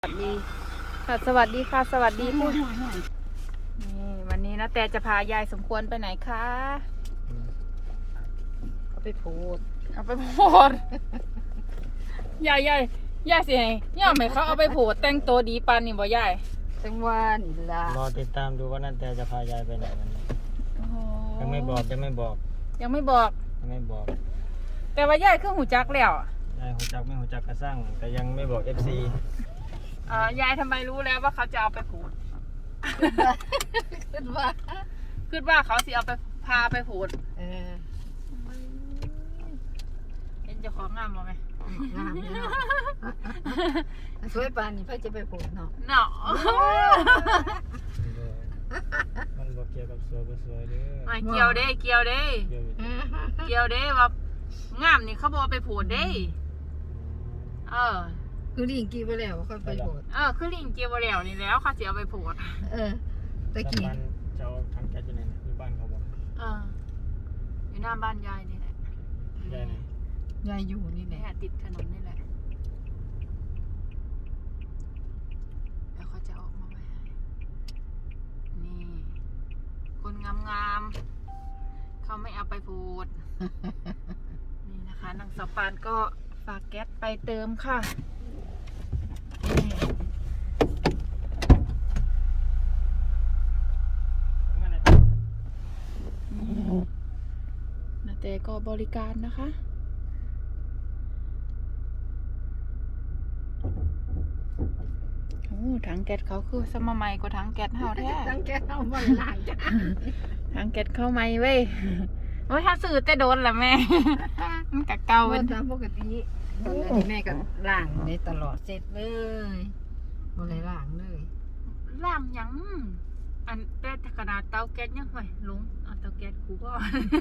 สวัสดีค่ะสวัสดีค่ะสวัสดีคุณนี่วันนี้นะแต่จะพายายสมควรไปไหนคะเขาไปโพดเอาไปโพดยายสิให้ย่าไหมเขาเอาไปโพดแต่งตัวดีปันนี่บ่ยายจังว่านี่ล่ะรอติดตามดูว่านั่นแต่จะพายายไปไหนวันนี้โอ้โหยังไม่บอกยังไม่บอกยังไม่บอกแต่ว่ายายคือหูจักแล้วยายหัวจักไม่หัวจักกระสร้างแต่ยังไม่บอก FC ยายทำไมรู้แล้วว่าเขาจะเอาไปโพดคิดว่าคิดว่าเขาสิเอาไปพาไปโพดเออเห็นเจ้าของงามบ่ไหมงามเนาะสวยปานนี่เพิ่นจะไปโพดเนาะเนาะมันบอกเกี่ยวกับสวยบ่สวยเด้อไม่เกี่ยวเด้เกี่ยวเด้เกี่ยวอยู่เกี่ยวเด้ว่างามนี่เขาบอกเอาไปโพดเด้เออคือลิงกี้ไปแล้วเขาไปโพดคือลิงเกียวแล้วนี่แล้วเขาจะเอาไปโพดเออตะกี้บ้านเจ้าทางแก๊สอยู่ไหนนะอยู่บ้านเขาบอกอยู่หน้าบ้านยายนี่แหละยายไหนยายอยู่นี่แหนี่ละติดถนนนี่แหละแล้วเขาจะออกมาไว้ให้นี่คนงามๆเขาไม่เอาไปโพดนี่นะคะนางสาวปานก็ฝากแก๊สไปเติมค่ะนาเต้ก็บริการนะคะโอ้ถังแก๊สเขาคือสมัยใหม่กว่าถังแก๊สเฮาแท้ตั้งแก้วมาล้างจ้ะถังแก๊สเข้าใหม่เว้ยโอ้ยถ้าซื้อแต่โดนละแม่ มันกะเก่าเป็เป็น นตามปกติตอนนั้นแม่ก็ล้างได้ตลอดเสร็จเลยบ่ได้ล้างเลยล่างหยังอันแต่ขนาดเตาแก๊สยังไงลุงเอาเตาแก๊สกูก็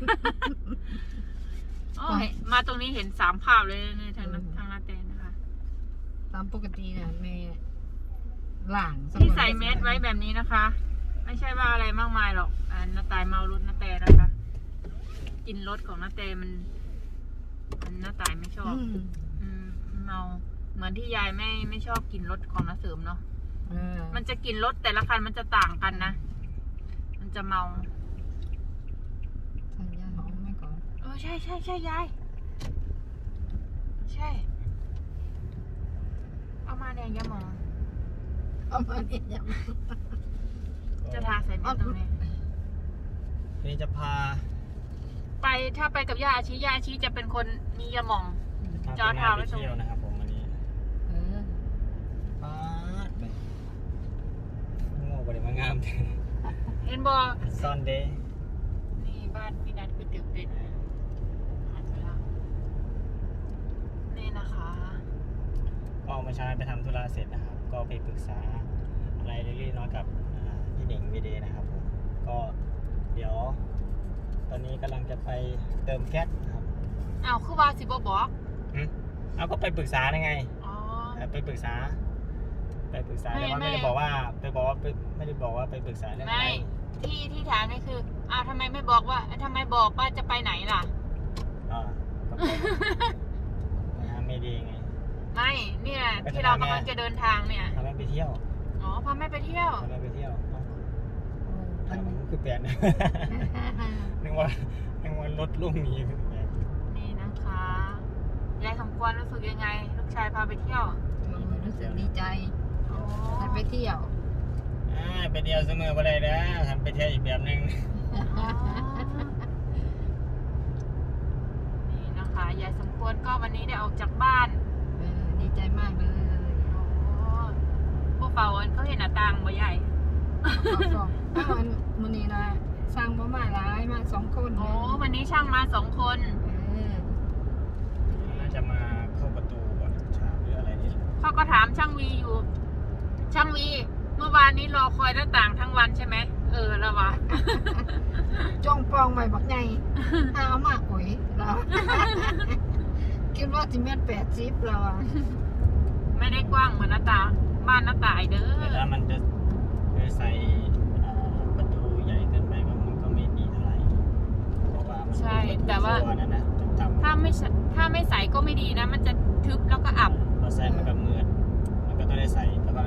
โอ้ยมาตรงนี้เห็น3 ภาพเลยในทางลาเต้นะคะตามปกติน่ะแม่ล้างที่ใส่เมสไว้แบบนี้นะคะ ไม่ใช่ว่าอะไรมากมายหรอกน้าตายเมารถน้าแต่นะคะ กินรถของน้าแต่มันน้าตายไม่ชอบ เมาเหมือนที่ยายไม่ชอบกินรถของน้าเสริมเนาะ มันจะกินรถแต่ละคันมันจะต่างกันนะ มันจะเมาใส่ยาหอมไหมก่อนใช่ยายใช่เอามาเนี่ยยาหมองเอามาเนี่ยยังจะทาใส่เม็ดตรงนี้นี่จะพาถ้าไปกับย่าอาชีจะเป็นคนมียาหมอง จอดพาเท้าไปไว้ตรงเที่ยวนะครับผมวันนี้เออปาดไปโง่บ่ได้มางามแท้เห็นบอซอนเดย์นี่บ้านพี่นัทก๋วยเตี๋ยวเป็ดหันไปแล้วนี่นะคะก็เมื่อเช้าไปทำธุระเสร็จนะครับ ก็ไปปรึกษาอะไรเล็กๆน้อยๆกับพี่เด่งวีเดย์นะครับผมก็เดี๋ยว ตอนนี้กำลังจะไปเติมแก๊สนะครับอ้าวคือว่าสิบบอกเอาก็ไปปรึกษาได้ไงอ๋อไปปรึกษาแต่ว่าไม่ไม่ได้บอกว่าไม่ได้บอกว่าไปปรึกษาเรื่องอะไรไม่ที่ถามนี่คืออ้าวทำไมไม่บอกว่าทำไมบอกว่าจะไปไหนล่ะก็ไปหาไม่ดีไงไม่เนี่ยที่เรากำลังจะเดินทางเนี่ยทำให้ไปเที่ยวอ๋อพาแม่ไปเที่ยวทำให้ไปเที่ยวเอ้าอันมันี้นคือแปลน นึกว่ารถลุ่มนี้คือแปลนนี่นะคะยายสมควรรู้สึกยังไง ลูกชายพาไปเที่ยวรู้สึกดีใจโอ้ได้ไปเที่ยวไปเที่ยวเสมอบ่ได้นะทำไปเที่ยวอีกแบบนึงนี่นะคะยายสมควรก็วันนี้ได้ออกจากบ้านดีใจมากเลยโอ้พวกเป่าเขาเห็นหน้าต่างบ่ใหญ่ถ้าวันนี้นะสร้างบ่มาหลายมา2 คนโอ้วันนี้ช่างมา2 คนน่าจะมาเข้าประตูก่อนฉากหรืออะไรนี่แหละเขาก็ถามช่างวีอยู่ ช่างวี เมื่อวานนี้รอคอยหน้าต่างทั้งวันใช่ไหมแล้ววะจ้องปองใหม่บักใหญ่เอามากกว่าเราคิดว่าจิเมตร80เราอ่ะไม่ได้กว้างเหมือนหน้าต่างบ้านหน้าต่ายเด้อแต่ถ้ามันจะใส่ประตูใหญ่เกินไปก็มันก็ไม่ดีเท่าไหร่เพราะว่ามันใช่แต่ว่าตัวนั่นนะต่ำๆถ้าไม่ใส่ก็ไม่ดีนะ มันจะทึบแล้วก็อับเราใส่มันก็มืดมันก็ต้องได้ใส่แต่ว่า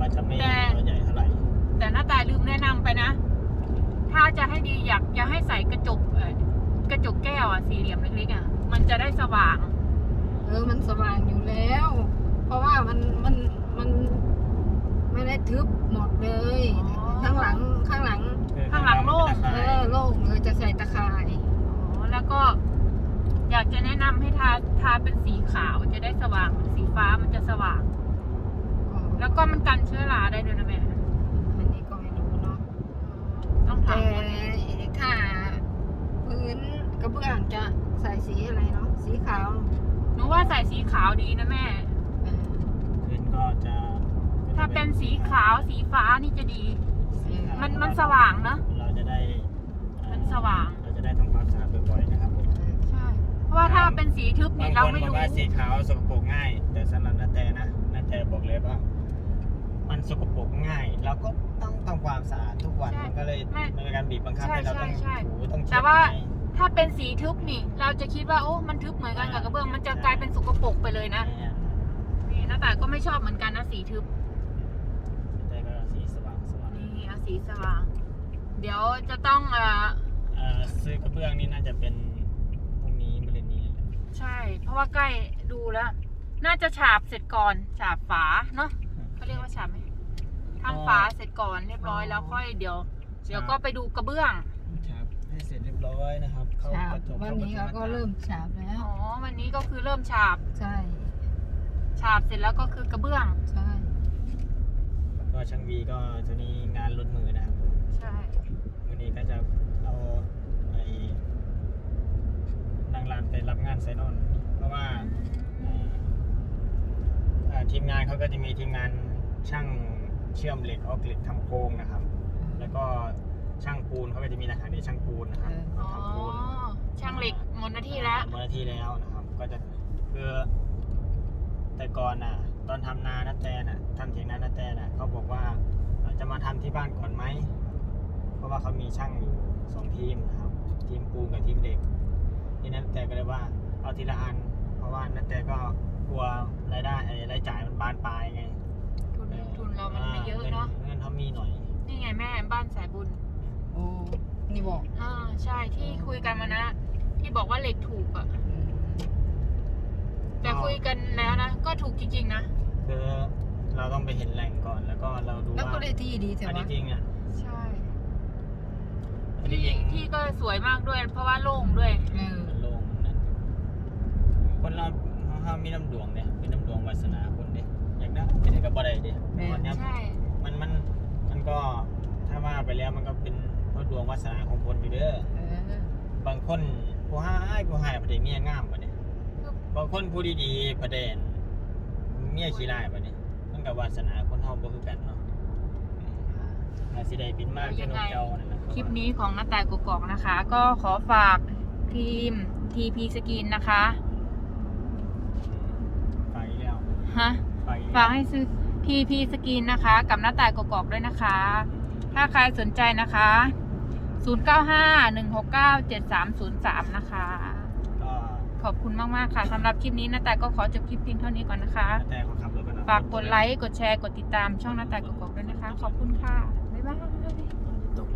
จจะไม่แต่ตัวใหญ่เท่าไหร่แต่หน้าตายลืมแนะนำไปนะ ถ้าจะให้ดีอยากจะให้ใส่กระจกกระจกแก้วอะสี่เหลี่ยมเล็กๆอะมันจะได้สว่างมันสว่างอยู่แล้ว เพราะว่ามันไม่ได้ทึบหมดเลยอ๋อข้างหลังข้างหลังโล่งโล่งเลยจะใส่ตะข่ายอ๋อแล้วก็อยากจะแนะนำให้ทาเป็นสีขาวจะได้สว่าง สีฟ้ามันจะสว่าง แล้วก็มันกันเชื้อราได้ด้วยนะแม่อันนี้ก็ไม่รู้เนาะต้องถาแต่มถ้าพื้นกระเบื้องจะใส่สีอะไรเนาะสีขาวหนูว่าใส่สีขาวดีนะแม่เออพื้นก็จะถ้าเป็นสีขาวสีฟ้านี่จะดีสีขาวมันสว่างเนอะเราจะได้มันสว่างเราจะได้ทำความสะอาดบ่อยๆนะครับผมใช่ เพราะว่าถ้าเป็นสีทึบบานี่งเราคนไม่บอกรู้ว่าสีขาวสกปรกง่าย แต่สำหรับนาแตนะนาแตบอกเลยว่า มันสกปรกง่าย เราก็ต้องทำความสะอาดทุกวันใช่มันก็เลยไม่มันเป็นการบีบบังคับใช่ให้เราต้องใช่ถูต้องเช็ดแต่ว่าไงถ้าเป็นสีทึบนี่ เราจะคิดว่าโอ้มันทึบเหมือนกันกับกระเบื้องมันจะกลายเป็นสกปรกไปเลยนะเนี่ยนี่หน้าตายก็ไม่ชอบเหมือนกันนะสีทึบแต่ก็สีสว่างนี่เอาสีสว่าง เดี๋ยวจะต้องซื้อกระเบื้องนี่น่าจะเป็นพรุ่งนี้มะรืนนี้ใช่ เพราะว่าใกล้ดูแล้ว น่าจะฉาบเสร็จก่อนฉาบฝาเนาะเขาเรียกว่าฉาบไหมทำฝาเสร็จก่อนเรียบร้อยแล้วค่อยเดี๋ยวก็ไปดูกระเบื้องครับให้เสร็จเรียบร้อยนะครับ เข้าฉาบกระจกวันนี้เขาก็เริ่มฉาบแล้วอ๋อวันนี้ก็คือเริ่มฉาบใช่ฉาบเสร็จแล้วก็คือกระเบื้องใช่ก็ช่างวีก็ตัวนี้งานลดมือนะครับผมใช่วันนี้ก็จะเอาไอ้นางรานไปรับงานไซนอน เพราะว่าทีมงานเขาก็จะมีทีมงานช่างเชื่อมเหล็กออกเหล็กทำโครงนะครับ แล้วก็ช่างปูนเขาก็จะมีทหารในช่างปูนนะครับอ๋อทำปูนช่างเหล็กหมดหน้าที่แล้วหมดหน้าที่แล้วนะครับ ก็จะคือแต่ก่อนน่ะ ตอนทำนานาแตน่ะทำเถียงนานาแตน่ะเขาบอกว่าจะมาทำที่บ้านก่อนไหม เพราะว่าเขามีช่างอยู่2 ทีมนะครับ ทีมปูนกับทีมเหล็กที่นั้นแต่ก็เลยว่าเอาทีละอัน เพราะว่านาแตก็กลัวรายได้รายจ่ายมันบานปลายไงทุนเรามันไม่เยอะเนาะเงินเขามีหน่อยนี่ไงแม่บ้านสายบุญโอ้นี่บอกใช่ที่คุยกันมานะ ที่บอกว่าเหล็กถูกอะแต่คุยกันแล้วนะ ก็ถูกจริงๆนะคือเราต้องไปเห็นแหล่งก่อนแล้วก็เราดูแล้วว่าก็ได้ที่ดีแต่อันว่านี้จริงอ่ะใช่อันนี้จริงที่ก็สวยมากด้วย เพราะว่าโล่งด้วยมันโล่งนะคนเราเขามีน้ำดวงเนี่ยเป็นน้ำดวงวาสนาคนเด้อยากได้เป็นกับบ่ได้เด้วันนี้ใช่มันก็ถ้าว่าไปแล้วมันก็เป็นเพราะดวงวาสนาของคนอยู่เด้อบางคนผู้ให้ประเดี๋ยวเมียงามปะเนี่ยบางคนผู้ดีๆประเดี๋ยวเมียขี้ร้ายปะเนี่ยมันกับวาสนาคนเฮาบ่คือกันเนาะอาสิได้บินมากเป็นนกเจ้านั่นแหละคลิปนี้ของน้าแต่กกอกนะคะ ก็ขอฝากทีม TP Skin นะคะไปแล้วฮะไปฝากให้ซื้อ TP Skin นะคะ กับน้าแต่กกอกด้วยนะคะ ถ้าใครสนใจนะคะ 0951697303 นะคะก็ขอบคุณมากๆค่ะสำหรับคลิปนี้น้าแต่ก็ขอจบคลิปเพียงเท่านี้ก่อนนะคะแต่เขาขับรถกันนะฝากกดไลค์ กดแชร์ กดติดตามช่องน้าแต่กกอกด้วยนะคะ ขอบคุณค่ะ บ๊ายบาย